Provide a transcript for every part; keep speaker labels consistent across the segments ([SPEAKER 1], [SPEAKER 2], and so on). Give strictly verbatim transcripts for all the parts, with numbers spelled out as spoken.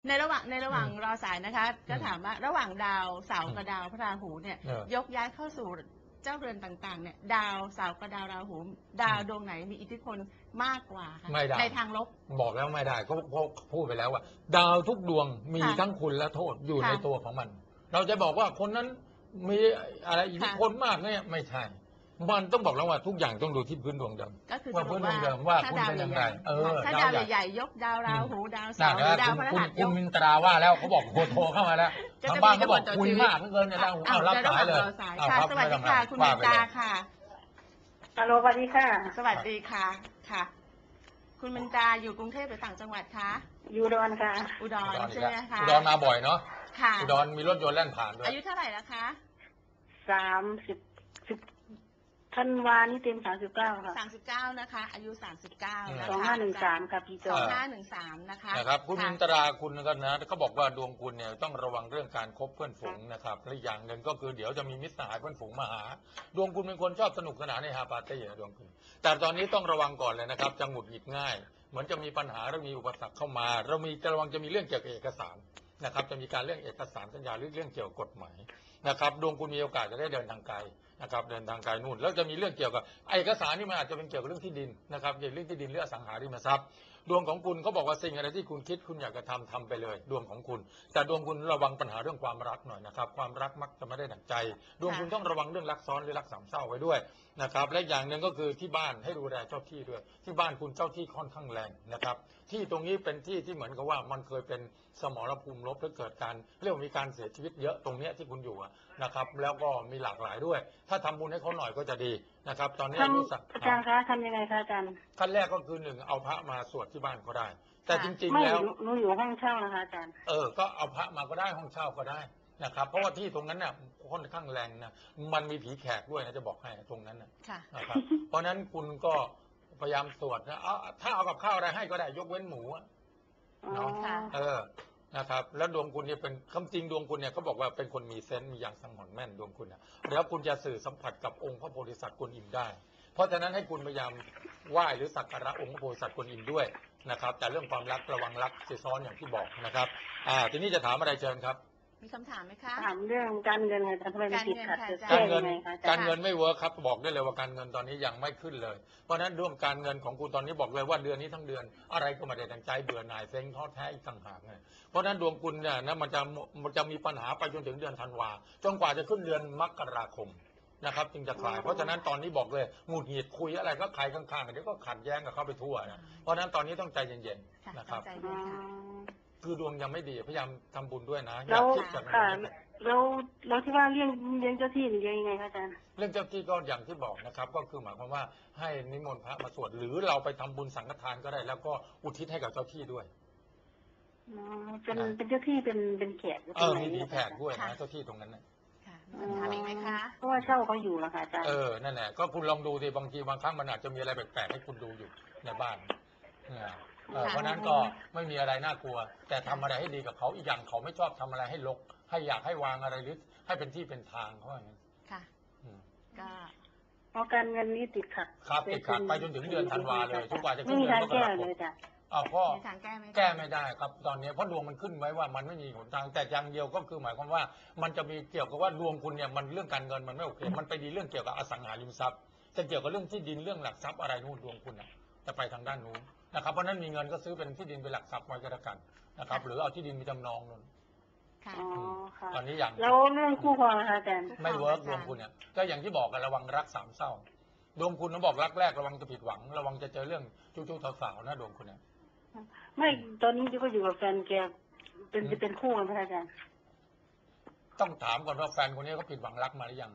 [SPEAKER 1] ในระหว่างในระหว่างรอสายนะคะก็ถามว่าระหว่างดาวเสาร์กับดาวพระราหูเนี่ยยกย้ายเข้าสู่เจ้าเรือนต่างๆเนี่ยดาวเสาร์กับดาวราหูดาวดวงไหนมีอิทธิพลมากกว่าคะในทางลบ
[SPEAKER 2] บอกแล้วไม่ได้เขาพูดไปแล้วว่าดาวทุกดวงมีทั้งคุณและโทษอยู่ในตัวของมัน เราจะบอกว่าคนนั้นมีอะไรอิทธิพลมากเนี่ยไม่ใช่มันต้องบอกแล้วว่าทุกอย่างต้องดูที่พื้นดวงเดิมว่าพื้นดวงเดิมว่าคุณเป็นอย่างไรเออ
[SPEAKER 1] ถ้าดาวใหญ่ๆยกดาวราหูดาวเสาร์ดาวพฤหัสยก
[SPEAKER 2] คุณมินตราว่าแล้วเขาบอกโทรเข้ามาแล้วทางบ้านเขาบอกคุยมากเกินเนี่ยเอารับสายเลย
[SPEAKER 1] สวัสดีค่ะคุณมินตราค่ะ
[SPEAKER 3] ฮัลโหลสวัสดีค่ะ
[SPEAKER 1] สวัสดีค่ะค่ะคุณมินตราอยู่กรุงเทพหรือต่างจังหวัดคะ
[SPEAKER 3] อยู่อุดรค่ะ
[SPEAKER 1] อุดรใช่ไหมคะ
[SPEAKER 2] อุดรมาบ่อยเนาะ
[SPEAKER 1] ค่ะ
[SPEAKER 2] อุดรมีรถยนต์แล่นผ่านด้วย
[SPEAKER 1] อายุเท่าไหร่แล้วคะ
[SPEAKER 3] สามสิบสิบธันวานี่เต็มสามสิบเก้าค่ะ
[SPEAKER 1] สามสิบเก้านะคะอายุสามสิบเก้า
[SPEAKER 3] สองห้าหนึ่งสามค่ะพี่จ
[SPEAKER 1] อสองห้าหนึ่งสามนะคะ
[SPEAKER 2] นะครับคุณมินตราคุณก็นะเขาบอกว่าดวงคุณเนี่ยต้องระวังเรื่องการคบเพื่อนฝูงนะครับและอย่างหนึ่งก็คือเดี๋ยวจะมีมิตรสหายเพื่อนฝูงมาหาดวงคุณเป็นคนชอบสนุกสนานในฮาปาร์ตี้ดวงคุณแต่ตอนนี้ต้องระวังก่อนเลยนะครับจะหงุดหงิดง่ายเหมือนจะมีปัญหาและมีอุปสรรคเข้ามาเรามีระวังจะมีเรื่องเกี่ยวกับเอกสารนะครับจะมีการเรื่องเอกสารสัญญาหรือเรื่องเกี่ยวกับกฎหมายนะครับดวงคุณมีโอกาสจะได้เดินทางไกลนะครับเดินทางไกลนู่นแล้วจะมีเรื่องเกี่ยวกับเอกสารนี่มันอาจจะเป็นเกี่ยวกับเรื่องที่ดินนะครับเกี่ยวกับเรื่องที่ดินหรืออสังหาริมทรัพย์ดวงของคุณเขาบอกว่าสิ่งอะไรที่คุณคิดคุณอยากจะทำทำไปเลยดวงของคุณแต่ดวงคุณระวังปัญหาเรื่องความรักหน่อยนะครับความรักมักจะไม่ได้ดั่งใจดวงคุณต้องระวังเรื่องรักซ้อนหรือรักสามเศร้าไว้ด้วยนะครับและอย่างหนึ่งก็คือที่บ้านให้ดูแลเจ้าที่ด้วยที่บ้านคุณเจ้าที่ค่อนข้างแรงนะครับที่ตรงนี้เป็นที่ที่เหมือนกับว่ามันเคยเป็นสมรภูมิรบแล้วเกิดการเรียกว่ามีการเสียชีวิตเยอะตรงนี้ที่คุณอยู่นะครับแล้วก็มีหลากหลายด้วยถ้าทำบุญให้เขาหน่อยก็จะดีนะครับตอนนี้รู้
[SPEAKER 3] สึกอาจารย์คะทำยังไงคะอาจารย์
[SPEAKER 2] ขั้นแรกก็คือหนึ่งเอาพระมาสวดที่บ้านก็ได้แต่จริง
[SPEAKER 3] ๆ
[SPEAKER 2] แล้ว
[SPEAKER 3] หนูอยู่ห้องเช่านะคะอาจารย์
[SPEAKER 2] เออก็เอาพระมาก็ได้ห้องเช่าก็ได้นะครับเพราะว่าที่ตรงนั้นเนี่ยค่อนข้างแรงนะมันมีผีแขกด้วยนะจะบอกให้ตรงนั้นนะครับเพราะนั้นคุณก็พยายามสวดนะเอาถ้าเอากับข้าวอะไรให้ก็ได้ยกเว้นหมูเนาะเออนะครับแล้วดวงคุณเนี่ยเป็นคำจริงดวงคุณเนี่ยเขาบอกว่าเป็นคนมีเซนต์มีอย่างสังหรณ์แม่นดวงคุณนะแล้วคุณจะสื่อสัมผัสกับองค์พระโพธิสัตว์กวนอิมได้เพราะฉะนั้นให้คุณพยายามไหว้หรือสักการะองค์พระโพธิสัตว์กวนอิมด้วยนะครับแต่เรื่องความรักระวังรักซีซ้อนอย่างที่บอกนะครับอ่าทีนี้จะถามอะไรเชิญครับ
[SPEAKER 1] มีคำถามไหมคะ
[SPEAKER 3] ถามเรื่องการเงินค่ะทำไมมันติดขัด
[SPEAKER 2] การเงินการเงินไม่เวิร์คครับบอกได้เลยว่าการเงินตอนนี้ยังไม่ขึ้นเลยเพราะฉะนั้นเรื่องการเงินของคุณตอนนี้บอกเลยว่าเดือนนี้ทั้งเดือนอะไรก็ไม่ได้ดังใจเบื่อหน่ายเซ็งท้อแท้อีกต่างหากไงเพราะฉะนั้นดวงคุณเนี่ยนะมันจะมันจะมีปัญหาไปจนถึงเดือนธันวาจนกว่าจะขึ้นเดือนมกราคมนะครับจึงจะคลายเพราะฉะนั้นตอนนี้บอกเลยหงุดหงิดคุยอะไรก็ใครข้างๆเดี๋ยวก็ขัดแย้งกับเขาไปทั่วนะเพราะฉะนั้นตอนนี้ต้องใจเย็นๆนะครับคือดวงยังไม่ดีพยายามทำบุญด้วยนะ
[SPEAKER 3] อย่าคิดแบบนั้นแล้วแล้วที่ว่าเรื่องเลี้ยงเจ้าที่หรือยังไงคะอาจารย์
[SPEAKER 2] เรื่องเจ้าที่ก็อย่างที่บอกนะครับก็คือหมายความว่าให้นิมนต์พระมาสวดหรือเราไปทำบุญสังฆทานก็ได้แล้วก็อุทิศให้กับเจ้าที่ด้วย
[SPEAKER 3] อ๋อเป็นเป็นเจ้าที่เป็นเป็นแขก
[SPEAKER 2] เออมีผีแขกด้วยนะเจ้าที่ตรงนั้นนะ
[SPEAKER 1] ถามอีกไหมคะ
[SPEAKER 3] เพราะว่าเช่าเขาอยู่แล้วค่ะอาจารย์
[SPEAKER 2] เออนั่นแหละก็คุณลองดูดิบางทีบางครั้งมันอาจจะมีอะไรแปลกๆให้คุณดูอยู่ในบ้านเพราะนั้นก็ไม่มีอะไรน่ากลัวแต่ทำอะไรให้ดีกับเขาอีกอย่างเขาไม่ชอบทำอะไรให้รกให้อยากให้วางอะไรหรือให้เป็นที่เป็นทางเขาอย่างนี้
[SPEAKER 1] ค่ะก็
[SPEAKER 3] เพราะการเงินนี้ติดขัด
[SPEAKER 2] ครับติดขัดไปจนถึงเดือนธันวาเลยทุกว่าจะขึ้
[SPEAKER 3] นเดือนมกราคม
[SPEAKER 2] อ้าวก็แก้ไม่ได้ครับตอนนี้เพราะดวงมันขึ้นไว้ว่ามันไม่มีหนทางแต่อย่างเดียวก็คือหมายความว่ามันจะมีเกี่ยวกับว่าดวงคุณเนี่ยมันเรื่องการเงินมันไม่โอเคมันไปดีเรื่องเกี่ยวกับอสังหาริมทรัพย์จะเกี่ยวกับเรื่องที่ดินเรื่องหลักทรัพย์อะไรนู่นดวงคุณนะจะไปทางด้านนู้นนะครับเพราะนั้นมีเงินก็ซื้อเป็นที่ดินเป็นหลักทรัพย์ไว้ก็แล้วกันนะครับหรือเอาที่ดินมีจำนองนู่นตอนนี้อย่าง
[SPEAKER 3] แล้วเรื่องคู่ครองนะคะอาจารย์
[SPEAKER 2] ไม่เวิร์กดวงคุณเนี่ยก็อย่างที่บอกกันระวังรักสามเศร้าดวงคุณต้องบอกรักแรกระวังจะผิดหวังระวังจะเจอเรื่องจู้จู้สาวๆนะดวงคุณเนี่ย
[SPEAKER 3] ไม่ตอนนี้ก็อยู่กับแฟนแกเป็นจะเป็นคู่กันไหมอาจารย์
[SPEAKER 2] ต้องถามก่อนว่าแฟนคนนี้เขาผิดหวังรักมาหรือยัง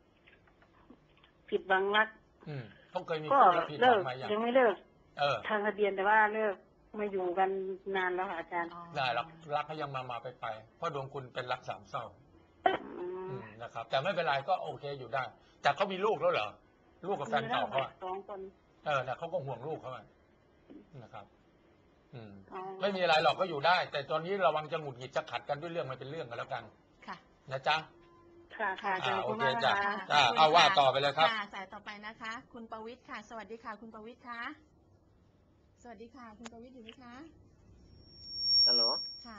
[SPEAKER 3] ผิดหวังรัก
[SPEAKER 2] อืมเขาเคยมี
[SPEAKER 3] ก็เลิกยังไม่เลิก
[SPEAKER 2] เออ
[SPEAKER 3] ทางทะเบียนแต่ว่าเลิกมาอยู่กันนานแล้วค่ะอาจารย์
[SPEAKER 2] ได้รักรักเขายังมามาไปไปเพราะดวงคุณเป็นรักสามเศร้านะครับแต่ไม่เป็นไรก็โอเคอยู่ได้แต่เขามีลูกแล้วเหรอลูกกับแฟนเก่าเขา
[SPEAKER 3] สองคน
[SPEAKER 2] เออเนี่ยเขาก็ห่วงลูกเขานะครับอืมไม่มีอะไรหรอกก็อยู่ได้ แต่ตอนนี้ระวังจะหงุดหงิดจะขัดกันด้วยเรื่องมันเป็นเรื่องกันแล้วกัน
[SPEAKER 1] ค่ะ
[SPEAKER 2] นะจ๊ะ
[SPEAKER 3] ค่ะค่ะ
[SPEAKER 2] โอเคจ้ะจ้ะเอาว่าต่อไปเลยครับ
[SPEAKER 1] สายต่อไปนะคะ คุณประวิตรค่ะสวัสดีค่ะคุณประวิตรค่ะสวัสดีค่ะคุณประวิตรอยู่ไหมคะ
[SPEAKER 4] ฮัลโหล
[SPEAKER 1] ค่ะสวัส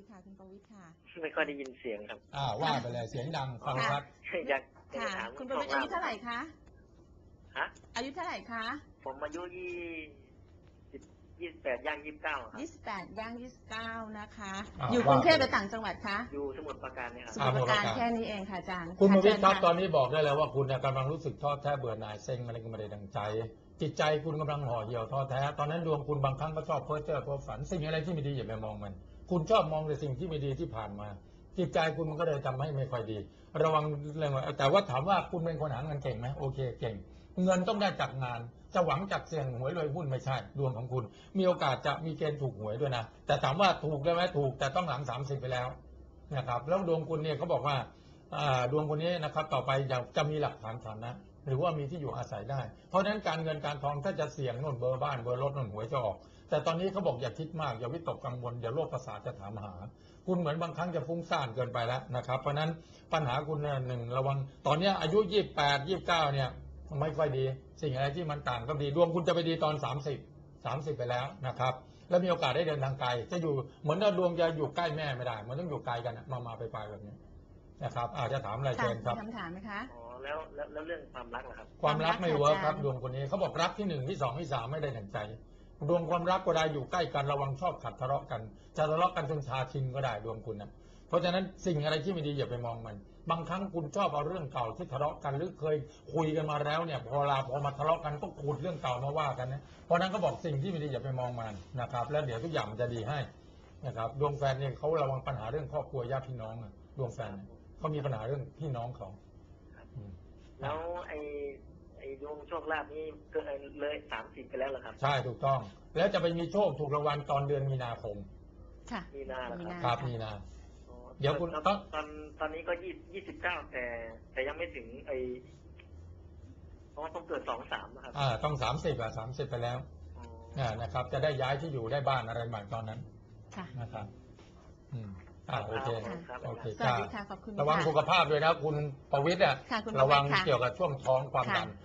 [SPEAKER 1] ค่ะคุณประวิตรค่ะ
[SPEAKER 3] ไม่ค่อยได้ยินเสียงครับ
[SPEAKER 2] อ่าว่าไปเลยเสียงดังฟังชัด
[SPEAKER 3] อยากอยาก
[SPEAKER 1] ค่ะ
[SPEAKER 3] จะถาม
[SPEAKER 1] คุณประวิตรอายุเท่าไหร่คะ
[SPEAKER 3] ฮะ
[SPEAKER 1] อายุเท่าไหร่คะ
[SPEAKER 3] ผมอายุยี่สิบยี่สิบแปดย่างยี่สิบเก้าครับ
[SPEAKER 1] ยี่สิบแปดย่างยี่สิบเก้านะคะ
[SPEAKER 2] อ่า
[SPEAKER 1] อยู่กรุงเทพ
[SPEAKER 2] ว่าไป
[SPEAKER 1] หรือต่างจังหวัดคะ
[SPEAKER 3] อยู่สมุทรปราการเนี่ยค
[SPEAKER 1] ส
[SPEAKER 3] รับ
[SPEAKER 1] มุทรปราการ
[SPEAKER 2] อ่าสมุทรปราการ
[SPEAKER 1] แค่นี้เองค่ะอาจารย์
[SPEAKER 2] คุณประวิตรครับ
[SPEAKER 1] ะ
[SPEAKER 2] ตอนนี้บอกได้แล้วว่าคุณเนี่ยกำลังรู้สึกท้อแท้เบื่อหน่ายเซ็งอะไรก็ไม่ได้ดังใจ จิตใจคุณกำลังห่อเหี่ยวท้อแท้ตอนนั้นดวงคุณบางครั้งก็ชอบเพ้อเจ้อเพ้อฝันสิ่งอะไรที่ไม่ดีอย่าไปมองมัน คุณชอบมองแต่สิ่งที่ไม่ดีที่ผ่านมา จิตใจคุณมันก็เลยทำให้ไม่ค่อยดี ระวังเรื่องว่าแต่ว่าถามว่าคุณเป็นคนหาเงินเก่งไหมโอเคเก่ง เงินต้องได้จากงานจะหวังจากเสี่ยงหวยรวยหุ้นไม่ใช่ดวงของคุณ มีโอกาสจะมีเกณฑ์ถูกหวยด้วยนะแต่ถามว่าถูกได้ไหมถูกแต่ต้องหลังสามสิบไปแล้วนะครับแล้วดวงคุณเนี่ยเขาบอกว่าอ่าดวงคนนี้นะครับต่อไปจะจะมีหลักฐานฐานะ หรือว่ามีที่อยู่อาศัยได้ เพราะฉะนั้นการเงินการทองถ้าจะเสี่ยงโน่นเบอร์บ้านเบอร์รถโน่นหวยจะออก แต่ตอนนี้เขาบอกอย่าคิดมากอย่าวิตกกังวลอย่าโรคประสาทจะถามหา คุณเหมือนบางครั้งจะฟุ้งซ่านเกินไปแล้วนะครับเพราะฉะนั้นปัญหาคุณเนี่ยหนึ่งระวังตอนนี้อายุยี่สิบแปด ยี่สิบเก้าเนี่ยไม่ค่อยดี สิ่งอะไรที่มันต่างก็ดีดวงคุณจะไปดีตอนสามสิบ สามสิบไปแล้วนะครับแล้วมีโอกาสได้เดินทางไกลจะอยู่เหมือนว่าดวงจะอยู่ใกล้แม่ไม่ได้มันต้องอยู่ไกลกันมามาไปไปแบบนี้นะครับอาจจะถามอะไร
[SPEAKER 1] ค่ะ
[SPEAKER 2] เชิญครับ
[SPEAKER 1] มีคำถามไหมคะ
[SPEAKER 3] อ๋อแล้วแล้วแล้วเรื่องความรักล่ะครับ
[SPEAKER 2] ความรักไม่เวิร์คครับ
[SPEAKER 1] อาจารย์
[SPEAKER 2] ดวงคนนี้เขาบอกรักที่หนึ่งที่สองที่สามไม่ได้ดั่งใจ ดวงความรักก็ได้อยู่ใกล้กันระวังชอบขัดทะเลาะกันจะทะเลาะกันจนชาชินก็ได้ดวงคุณนะเพราะฉะนั้นสิ่งอะไรที่ไม่ดีอย่าไปมองมัน บางครั้งคุณชอบเอาเรื่องเก่าที่ทะเลาะกันหรือเคยคุยกันมาแล้วเนี่ยพอเวลาพอมาทะเลาะกันก็ขุดเรื่องเก่ามาว่ากันนะเพราะนั้นก็บอกสิ่งที่ไม่ดีอย่าไปมองมันนะครับแล้วเดี๋ยวทุกอย่างมันจะดีให้นะครับดวงแฟนเนี่ยเขาระวังปัญหาเรื่องครอบครัวญาติพี่น้องอะดวงแฟนเนี่ยเขามีปัญหาเรื่องพี่น้องเขาอืม
[SPEAKER 3] แล้วไอ้ไอ้ดวงโชคลาภนี่เกินเลยสามสิบไปแล้วเหรอครับ
[SPEAKER 2] ใช่ถูกต้อง แล้วจะไปมีโชคถูกรางวัลตอนเดือนมีนาคม
[SPEAKER 1] ค่ะ
[SPEAKER 3] มีนาเหรอครับ
[SPEAKER 2] ครับมีนา
[SPEAKER 3] อ๋อ
[SPEAKER 2] เดี๋ยวคุณ
[SPEAKER 3] ตอน
[SPEAKER 2] ต้อง
[SPEAKER 3] ตอนตอนนี้ก็ยี่ยี่สิบเก้าแต่ แต่ยังไม่ถึงไอ้เพราะว่าต้องเกิดสองสามนะครับ
[SPEAKER 2] อ่าต้องสามสิบอ่ะสามสิบไปแล้ว
[SPEAKER 3] อ๋อ
[SPEAKER 2] อ่านะครับ จะได้ย้ายที่อยู่ได้บ้านอะไรใหม่ตอนนั้น
[SPEAKER 1] ค่ะ
[SPEAKER 2] นะครับอืมอ่าโอเค
[SPEAKER 3] ครับ
[SPEAKER 2] โอเค
[SPEAKER 1] สวัสดีค่ะ ขอบคุณ
[SPEAKER 2] ระวัง
[SPEAKER 1] ค่
[SPEAKER 2] สุขภาพด้วยนะคุณประวิตรอ่ะ
[SPEAKER 1] ค่ะคุณประวิตร
[SPEAKER 2] ระวัง
[SPEAKER 1] ค่ะ
[SPEAKER 2] เกี่ยวกับช่วงท้องความ
[SPEAKER 1] ค่ะ
[SPEAKER 2] ดัน